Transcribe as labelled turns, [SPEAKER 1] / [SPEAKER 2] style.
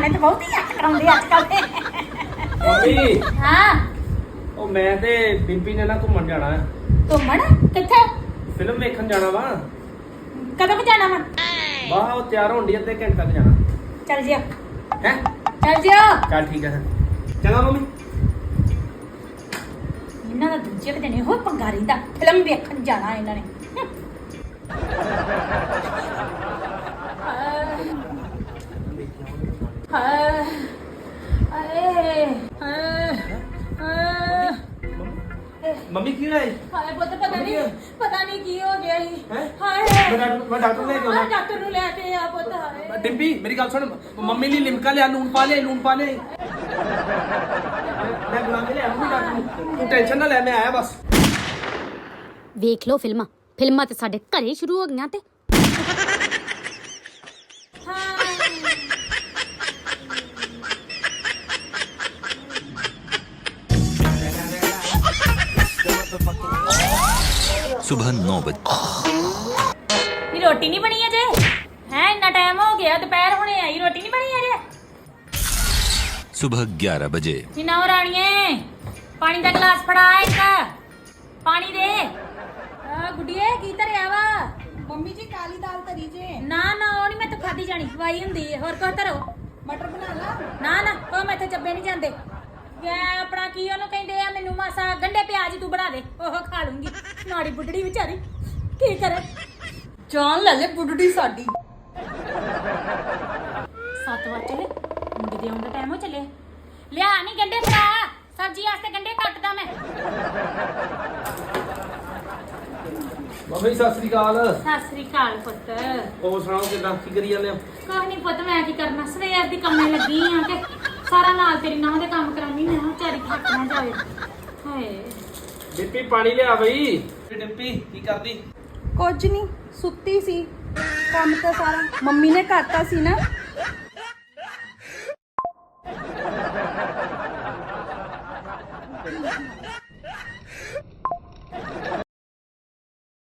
[SPEAKER 1] ਨਿਆਣੇ ਤਾਂ ਬਹੁਤ ਹੀ ਅੱਖ ਕਰਾਉਂਦੇ ਅੱਜ ਕੱਲ ਦੇ।
[SPEAKER 2] ਮੰਮੀ
[SPEAKER 1] ਹਾਂ
[SPEAKER 2] ਉਹ ਮੈਂ ਤੇ ਬੀਬੀ ਨੇ ਨਾ ਘੁੰਮਣ ਜਾਣਾ ਹੈ।
[SPEAKER 1] ਘੁੰਮਣ ਕਿੱਥੇ?
[SPEAKER 2] ਫਿਲਮ ਵੇਖਣ ਜਾਣਾ ਵਾ।
[SPEAKER 1] ਕਦੋਂ ਕੁ ਜਾਣਾ ਵਾ?
[SPEAKER 2] ਵਾਹ ਉਹ ਤਿਆਰ ਹੋਣ ਦੀ ਅੱਧੇ ਘੰਟੇ ਤੱਕ ਜਾਣਾ
[SPEAKER 1] ਚੱਲ ਜਿਓ
[SPEAKER 2] ਹੈ।
[SPEAKER 1] ਚੱਲ ਜਿਓ।
[SPEAKER 2] ਚੱਲ ਠੀਕ ਹੈ ਚੰਗਾ ਮੰਮੀ।
[SPEAKER 1] ਇਹਨਾਂ ਦਾ ਦੂਜੇ ਕੁ ਦਿਨ ਇਹੋ ਪੰਗਾ ਰਹਿੰਦਾ, ਫਿਲਮ ਵੇਖਣ ਜਾਣਾ ਇਹਨਾਂ ਨੇ।
[SPEAKER 2] ਮੰਮੀ ਕੀ ਹੋਇਆ
[SPEAKER 1] ਹਾਏ ਪੁੱਤ ਪਤਾ ਨਹੀਂ ਕੀ ਹੋ ਗਿਆ ਸੀ।
[SPEAKER 2] ਹੈ
[SPEAKER 1] ਹਾਏ
[SPEAKER 2] ਮੈਂ ਡਾਕਟਰ ਲੈ ਕੇ ਆਉਣਾ।
[SPEAKER 1] ਡਾਕਟਰ ਨੂੰ ਲੈ ਕੇ ਆ ਪੁੱਤ। ਹਾਏ
[SPEAKER 2] ਡਿੰਪੀ ਮੇਰੀ ਗੱਲ ਸੁਣ ਮੰਮੀ ਲਈ ਲਿਮਕਾ ਲਿਆ ਲੂਣ ਪਾ ਲੈ ਮੈਂ ਬੁਲਾ ਕੇ ਲਿਆ ਮੰਮੀ ਡਾਕਟਰ ਨੂੰ ਤੂੰ ਟੈਨਸ਼ਨ ਨਾ ਲੈ ਮੈਂ ਆਇਆ ਬਸ।
[SPEAKER 3] ਵੇਖ ਲਓ ਫਿਲਮਾਂ ਤੇ ਸਾਡੇ ਘਰੇ ਸ਼ੁਰੂ ਹੋ ਗਈਆਂ ਤੇ
[SPEAKER 4] सुबह 9 बजे
[SPEAKER 1] ਨੀ ਰੋਟੀ ਨਹੀਂ ਬਣੀ ਅਜੇ? ਹੈ ਇੰਨਾ ਟਾਈਮ ਹੋ ਗਿਆ, ਦੁਪਹਿਰ ਹੋਣੇ ਆਈ, ਰੋਟੀ ਨਹੀਂ ਬਣੀ ਅਜੇ?
[SPEAKER 4] सुबह 11 बजे
[SPEAKER 1] ਨੀ ਨਾ ਰਾਣੀਏ ਪਾਣੀ ਦਾ ਗਲਾਸ ਫੜਾ ਇੱਕ ਪਾਣੀ ਦੇ। ਆ ਗੁੱਡੀਏ ਕੀ ਧਰਿਆ ਵਾ?
[SPEAKER 5] ਮੰਮੀ ਜੀ ਕਾਲੀ ਦਾਲ ਧਰੀ ਜੇ।
[SPEAKER 1] ਨਾ ਉਹ ਨਹੀਂ ਮੈਂ ਤਾਂ ਖਾਦੀ ਜਾਣੀ, ਖਵਾਈ ਹੁੰਦੀ ਹੈ। ਹੋਰ ਕੁਝ ਧਰੋ।
[SPEAKER 5] ਮਟਰ ਬਣਾ ਲਾ।
[SPEAKER 1] ਨਾ ਉਹ ਮੈਥੇ ਚੱਬੇ ਨਹੀਂ ਜਾਂਦੇ। ਮੈਂ ਆਪਣਾ ਕੀ ਉਹਨੂੰ ਕਹਿੰਦੇ ਆ, ਮੈਨੂੰ ਮਾਸਾ ਗੰਡੇ ਪਿਆਜ਼ ਤੂੰ ਬਣਾ ਦੇ, ਉਹ ਖਾ ਲੂੰਗੀ। ਨਾੜੀ ਬੁੱਢੜੀ ਵਿਚਾਰੀ ਕੀ ਕਰੇ।
[SPEAKER 5] ਜਾਨ ਲੈ ਲੈ ਬੁੱਢੜੀ ਸਾਡੀ।
[SPEAKER 1] 7 ਵਜੇ ਚੱਲੇ, ਮੁੰਡੇ ਦੇ ਆਉਣ ਦਾ ਟਾਈਮ ਹੋ ਚੱਲੇ। ਲਿਆ ਨਹੀਂ ਗੰਡੇ ਫੜਾ, ਸਬਜ਼ੀ ਵਾਸਤੇ ਗੰਡੇ ਕੱਟਦਾ ਮੈਂ।
[SPEAKER 2] ਮੰਮੀ ਸਤਿ ਸ੍ਰੀ ਅਕਾਲ।
[SPEAKER 1] ਸਤਿ ਸ੍ਰੀ ਅਕਾਲ ਪੁੱਤ।
[SPEAKER 2] ਉਹ ਸੁਣਾਓ ਕਿੱਦਾਂ ਕੀ ਕਰੀ ਜਾਂਦੇ ਹੋ?
[SPEAKER 1] ਕੁਛ ਨਹੀਂ ਪੁੱਤ, ਮੈਂ ਕੀ ਕਰਨਾ, ਸਵੇਰ ਦੀ ਕੰਮੇ ਲੱਗੀ ਆ ਕਿ ਸਾਰਾ ਨਾਲ ਤੇਰੀ ਨਾਂਹ ਦੇ ਕੰਮ ਕਰਾਉਣੀ। ਮੈਂ ਵਿਚਾਰੀ ਥੱਕ ਨਾ ਜਾਵੇ। ਹਾਏ
[SPEAKER 2] ਡਿੰਪੀ ਪਾਣੀ ਲਿਆ ਬਈ। ਡਿੰਪੀ ਕੀ ਕਰਦੀ?
[SPEAKER 5] ਕੁਝ ਨਹੀਂ, ਸੁੱਤੀ ਸੀ। ਕੰਮ ਤਾਂ ਸਾਰਾ ਮੰਮੀ ਨੇ ਕਰਤਾ ਸੀ ਨਾ।